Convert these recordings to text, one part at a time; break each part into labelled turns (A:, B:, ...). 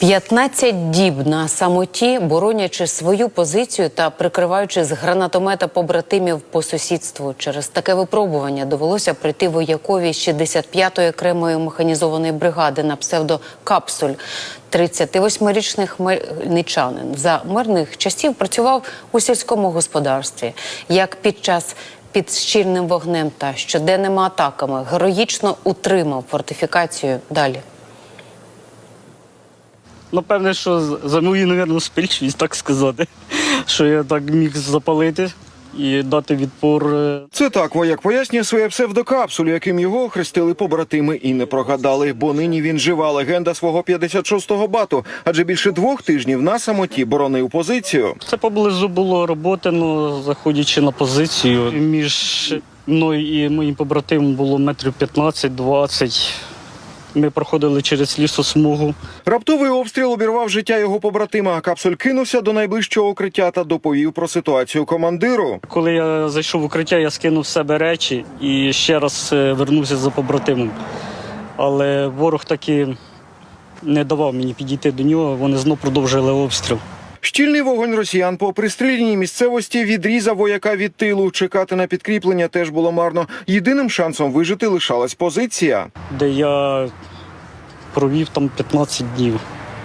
A: 15 діб на самоті, боронячи свою позицію та прикриваючи з гранатомета побратимів по сусідству. Через таке випробування довелося прийти воякові 65-ї окремої механізованої бригади на псевдо «Капсуль». 38-річний хмельничанин за мирних часів працював у сільському господарстві. Як під щільним вогнем та щоденними атаками героїчно утримав фортифікацію. Далі.
B: Напевне, що за мою, мабуть, успішність, так сказати, що я так міг запалити і дати відпор.
C: Це так вояк пояснює своє псевдокапсулю, яким його охрестили побратими і не прогадали, бо нині він жива легенда свого 56-го бату, адже більше 2 тижнів на самоті боронив позицію.
B: Це поблизу було роботи, але заходячи на позицію, між мною і моїм побратимом було метрів 15-20. Ми проходили через лісосмугу.
C: Раптовий обстріл обірвав життя його побратима. Капсуль кинувся до найближчого укриття та доповів про ситуацію командиру.
B: Коли я зайшов в укриття, я скинув з себе речі і ще раз вернувся за побратимом. Але ворог таки не давав мені підійти до нього, вони знов продовжили обстріл.
C: Щільний вогонь росіян по пристріляній місцевості відрізав вояка від тилу. Чекати на підкріплення теж було марно. Єдиним шансом вижити лишалась позиція.
B: Де я провів там 15 днів.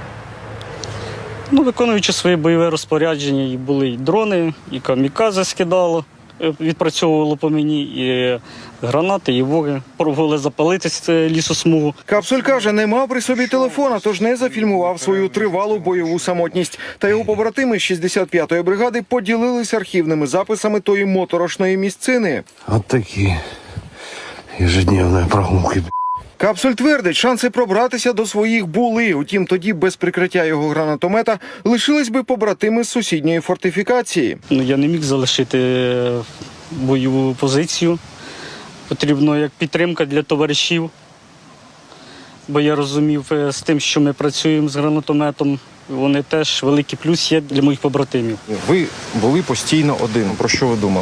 B: Виконуючи своє бойове розпорядження, і були і дрони, і камікадзе скидало, відпрацьовувало по мені, і гранати, і воги. Пробували запалити лісосмугу.
C: Капсуль каже, не мав при собі телефона, тож не зафільмував свою тривалу бойову самотність. Та його побратими з 65-ї бригади поділились архівними записами тої моторошної місцини.
D: От такі ежедневні прогулки.
C: Капсуль твердить, шанси пробратися до своїх були. Утім, тоді без прикриття його гранатомета лишились би побратими з сусідньої фортифікації.
B: Я не міг залишити бойову позицію. Потрібно як підтримка для товаришів. Бо я розумів з тим, що ми працюємо з гранатометом, вони теж великий плюс є для моїх побратимів.
E: Ви були постійно один. Про що ви думали?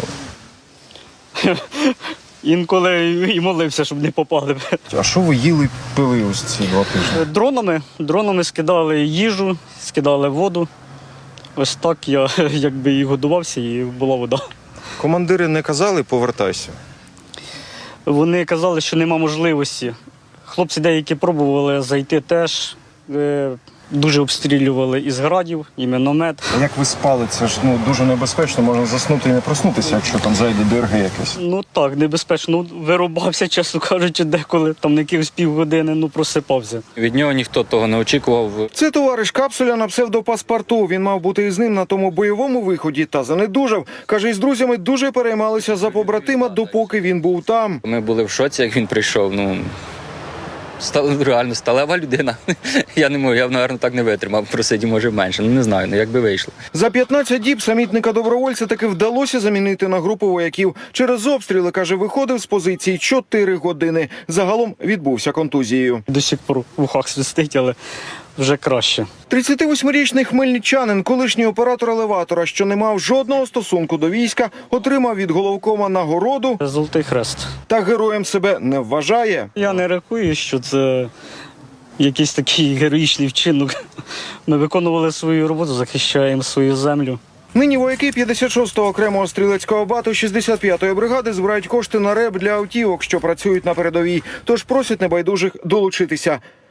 B: Інколи і молився, щоб не попали.
E: А що ви їли, пили ось ці 2 тижні?
B: Дронами скидали їжу, скидали воду. Ось так я якби і годувався, і була вода.
E: Командири не казали «повертайся»?
B: Вони казали, що нема можливості. Хлопці деякі пробували зайти теж. Дуже обстрілювали із градів, і міномет.
E: А як ви спали? Це ж дуже небезпечно, можна заснути і не проснутися, якщо там зайде ДРГ якесь.
B: Так, небезпечно. Вирубався, чесно кажучи, деколи, там на якихось півгодини, просипався.
F: Від нього ніхто того не очікував.
C: Це товариш Капсуля на псевдопаспорту. Він мав бути із ним на тому бойовому виході та занедужав. Каже, із друзями дуже переймалися за побратима, допоки він був там.
F: Ми були в шоці, як він прийшов. Реально сталева людина. Я не можу, я, мабуть, так не витримав. Просидів, може, менше. Не знаю, як би вийшло.
C: За 15 діб самітника-добровольця таки вдалося замінити на групу вояків. Через обстріли, каже, виходив з позиції 4 години. Загалом відбувся контузією.
B: До сих пор в ухах свистить, але вже краще.
C: 38-річний хмельничанин, колишній оператор елеватора, що не мав жодного стосунку до війська, отримав від головкома нагороду.
B: Золотий хрест.
C: Та героєм себе не вважає.
B: Я не рахую, що це якийсь такий героїчний вчинок. Ми виконували свою роботу, захищаємо свою землю.
C: Нині вояки 56-го окремого стрілецького бату 65-ї бригади збирають кошти на РЕБ для автівок, що працюють на передовій. Тож просять небайдужих долучитися.